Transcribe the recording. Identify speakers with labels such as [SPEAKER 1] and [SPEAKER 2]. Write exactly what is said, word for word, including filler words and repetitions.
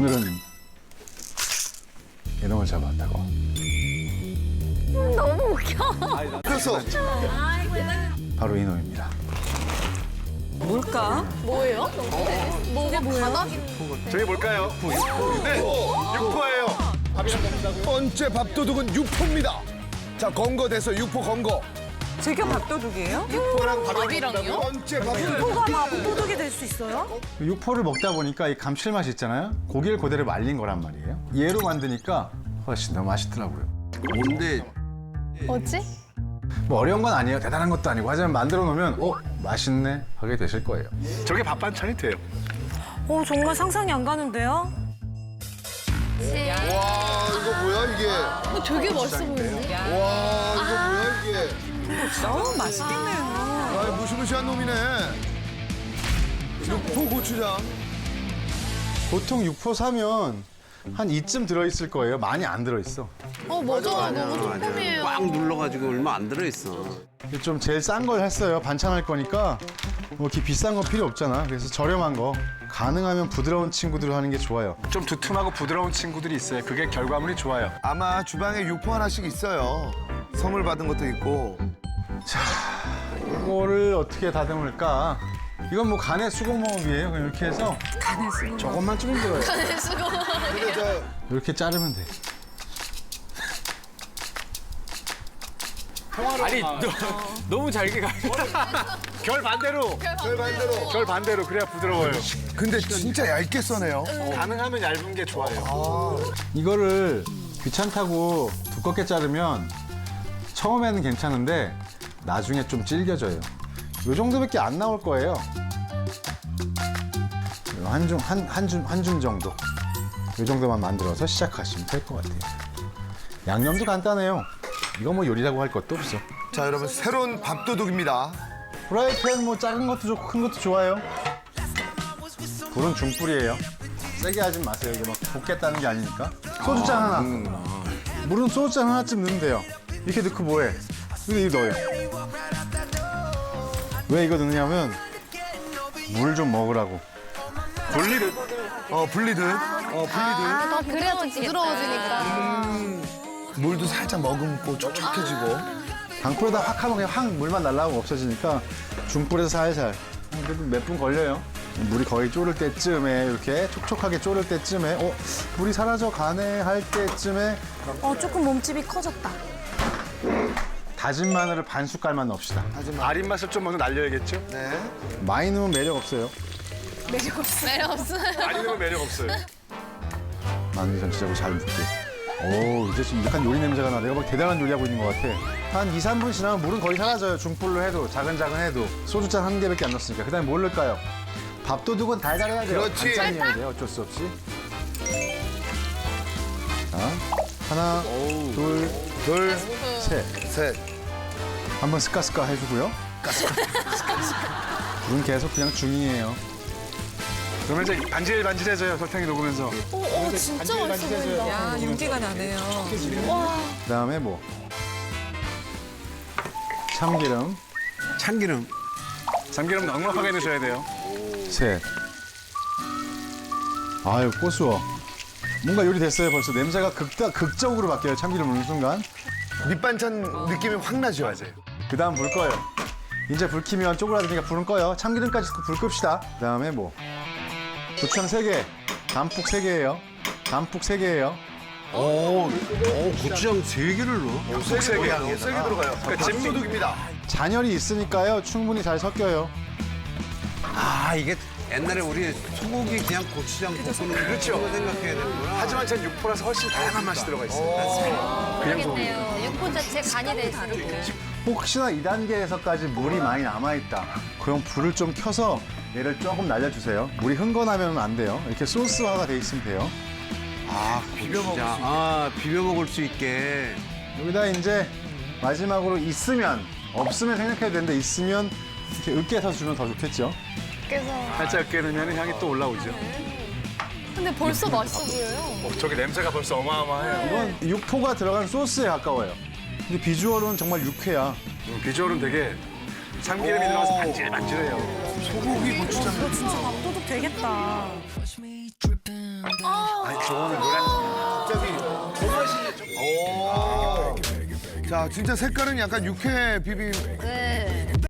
[SPEAKER 1] 오늘은 이놈을 잡았다고.
[SPEAKER 2] 너무 웃겨.
[SPEAKER 3] 그래서
[SPEAKER 1] 바로 이놈입니다.
[SPEAKER 4] 뭘까?
[SPEAKER 2] 뭐예요? 뭐가 뭐예요?
[SPEAKER 3] 저게 뭘까요? 네, 육포예요. 첫 번째 밥도둑은 육포입니다. 자, 건거돼서 육포 건거.
[SPEAKER 4] 제가 밥도둑이에요?
[SPEAKER 3] 육포랑
[SPEAKER 2] 밥이랑요?
[SPEAKER 3] 두 번째 밥도둑.
[SPEAKER 4] 뭐가 밥도둑이 될 수 있어요?
[SPEAKER 1] 육포를 먹다 보니까 이 감칠맛이 있잖아요. 고기를 그대로 말린 거란 말이에요. 얘로 만드니까 훨씬 더 맛있더라고요.
[SPEAKER 5] 뭔데?
[SPEAKER 2] 뭐지?
[SPEAKER 1] 뭐 어려운 건 아니에요. 대단한 것도 아니고. 하지만 만들어 놓으면 어? 맛있네 하게 되실 거예요.
[SPEAKER 3] 저게 밥 반찬이 돼요.
[SPEAKER 4] 어, 정말 상상이 안 가는데요?
[SPEAKER 3] 와, 이거 뭐야 이게?
[SPEAKER 2] 어, 되게 멋있어 보이는데?
[SPEAKER 3] 와, 이거 뭐야 이게?
[SPEAKER 4] 어우, 맛있겠네요.
[SPEAKER 3] 아, 무시무시한 놈이네. 육포 고추장.
[SPEAKER 1] 보통 육포 사면 한 이쯤 들어있을 거예요. 많이 안 들어있어.
[SPEAKER 2] 어, 맞아. 너무 조금이에요.
[SPEAKER 5] 꽉 눌러가지고 얼마 안 들어있어.
[SPEAKER 1] 좀 제일 싼 걸 했어요. 반찬할 거니까 뭐 이렇게 비싼 거 필요 없잖아. 그래서 저렴한 거. 가능하면 부드러운 친구들로 하는 게 좋아요.
[SPEAKER 6] 좀 두툼하고 부드러운 친구들이 있어요. 그게 결과물이 좋아요.
[SPEAKER 3] 아마 주방에 육포 하나씩 있어요. 선물 받은 것도 있고.
[SPEAKER 1] 이거를 어떻게 다듬을까? 이건 뭐 간의 수공업이에요. 그냥 이렇게 해서
[SPEAKER 4] 간의 수고.
[SPEAKER 1] 조금만 좀 들어요.
[SPEAKER 3] 근데 저
[SPEAKER 1] 이렇게 자르면 돼.
[SPEAKER 6] 아니, 너, 너무 잘게 가. 결 반대로.
[SPEAKER 3] 별 반대로.
[SPEAKER 6] 결 반대로. 그래야 부드러워요.
[SPEAKER 3] 근데 진짜 얇게 써네요.
[SPEAKER 6] 가능하면 얇은 게 좋아요.
[SPEAKER 1] 이거를 귀찮다고 두껍게 자르면 처음에는 괜찮은데 나중에 좀 질겨져요. 이 정도밖에 안 나올 거예요. 한 줌, 한, 한 줌, 한 줌 정도. 이 정도만 만들어서 시작하시면 될 것 같아요. 양념도 간단해요. 이거 뭐 요리라고 할 것도 없어.
[SPEAKER 3] 자, 여러분 새로운 밥도둑입니다.
[SPEAKER 1] 프라이팬 뭐 작은 것도 좋고 큰 것도 좋아요. 불은 중불이에요. 세게 하지 마세요. 이게 막 볶겠다는 게 아니니까. 소주잔 하나. 물은 소주잔 하나쯤 넣으면 돼요. 이렇게 넣고 뭐해? 근데 이거 넣어요. 왜 이거 넣느냐면 물 좀 먹으라고.
[SPEAKER 3] 분리듯. 어, 분리듯. 어, 분리듯.
[SPEAKER 2] 아, 그래야 좀 부드러워지니까.
[SPEAKER 3] 물도 살짝 머금고 촉촉해지고.
[SPEAKER 1] 강불에다 확 하면 그냥 확 물만 날라가고 없어지니까 중불에서 살살. 그래도 몇 분 걸려요. 물이 거의 졸을 때쯤에 이렇게 촉촉하게 졸을 때쯤에 어 물이 사라져 가네 할 때쯤에
[SPEAKER 4] 어, 조금 몸집이 커졌다.
[SPEAKER 1] 다진 마늘을 반 숟갈만 넣읍시다.
[SPEAKER 6] 아린 맛을 좀 먼저 날려야겠죠?
[SPEAKER 3] 네.
[SPEAKER 1] 많이 넣으면 매력 없어요.
[SPEAKER 2] 매력 없어요.
[SPEAKER 6] 많이 넣으면 매력 없어요.
[SPEAKER 1] 마늘 전체적으로 잘 묻게. 오 이제 지금 약간 요리 냄새가 나. 내가 막 대단한 요리하고 있는 것 같아. 한 이, 삼 분 지나면 물은 거의 사라져요. 중불로 해도 작은작은 해도. 소주잔 한 개밖에 안 넣었으니까. 그다음에 뭘 넣을까요? 밥도둑은 달달해야 돼요.
[SPEAKER 3] 그렇지.
[SPEAKER 1] 반찬이어야 돼요. 어쩔 수 없이. 자, 하나, 둘,
[SPEAKER 3] 둘,
[SPEAKER 1] 셋.
[SPEAKER 3] 셋.
[SPEAKER 1] 한번 스까스까 해주고요. 불은 계속 그냥 중이에요.
[SPEAKER 6] 그러면 이제 반질반질해져요. 설탕이 녹으면서.
[SPEAKER 2] 오, 오, 진짜 맛있어 보인다.
[SPEAKER 4] 야, 윤기가 나네요.
[SPEAKER 1] 그다음에 뭐 참기름
[SPEAKER 5] 참기름.
[SPEAKER 6] 참기름 넉넉하게 넣으셔야 돼요.
[SPEAKER 1] 셋. 아유 고수어. 뭔가 요리 됐어요 벌써. 냄새가 극다, 극적으로 바뀌어요. 참기름 넣는 순간.
[SPEAKER 3] 밑반찬 느낌이 확 나죠.
[SPEAKER 6] 맞아요.
[SPEAKER 1] 그다음 불 꺼요. 이제 불 켜면 쪼그라드니까 불은 꺼요. 참기름까지 불 끕시다. 그다음에 뭐 고추장 세 개, 단뿍 세 개예요. 단뿍 세 개예요.
[SPEAKER 5] 오, 오, 고추장 세 개를 넣어?
[SPEAKER 3] 세게 들어가요. 세게 들어가요. 그러니까 밥도둑입니다.
[SPEAKER 1] 잔열이 있으니까요. 충분히 잘 섞여요.
[SPEAKER 5] 아, 이게 옛날에 우리 소고기 그냥 고추장 볶는
[SPEAKER 6] 그렇죠.
[SPEAKER 5] 그거 생각해야 되는구나.
[SPEAKER 6] 하지만 전 육포라서 훨씬 다양한 맛이 들어가 있어요.
[SPEAKER 2] 모르겠네요. 육포 자체 간이 돼 있으니까.
[SPEAKER 1] 혹시나 이 단계에서까지 물이 많이 남아있다. 그럼 불을 좀 켜서 얘를 조금 날려주세요. 물이 흥건하면 안 돼요. 이렇게 소스화가 돼 있으면 돼요.
[SPEAKER 5] 아, 비벼 먹을 수 있게. 아, 비벼 먹을 수 있게.
[SPEAKER 1] 여기다 이제 마지막으로 있으면, 없으면 생각해야 되는데 있으면 이렇게 으깨서 주면 더 좋겠죠.
[SPEAKER 2] 그래서.
[SPEAKER 6] 살짝 깨르면 향이 또 올라오죠.
[SPEAKER 2] 근데 벌써 맛있어 보여요.
[SPEAKER 6] 어, 저기 냄새가 벌써 어마어마해요.
[SPEAKER 1] 이건 육포가 들어간 소스에 가까워요. 근데 비주얼은 정말 육회야.
[SPEAKER 6] 음, 비주얼은 되게 참기름이 들어가서 반질반질해요.
[SPEAKER 3] 소고기 고추장.
[SPEAKER 4] 이거 진짜 밥도둑 되겠다.
[SPEAKER 2] 아,
[SPEAKER 5] 저거는 노란.
[SPEAKER 3] 자, 진짜 색깔은 약간 육회 비빔.
[SPEAKER 2] 네.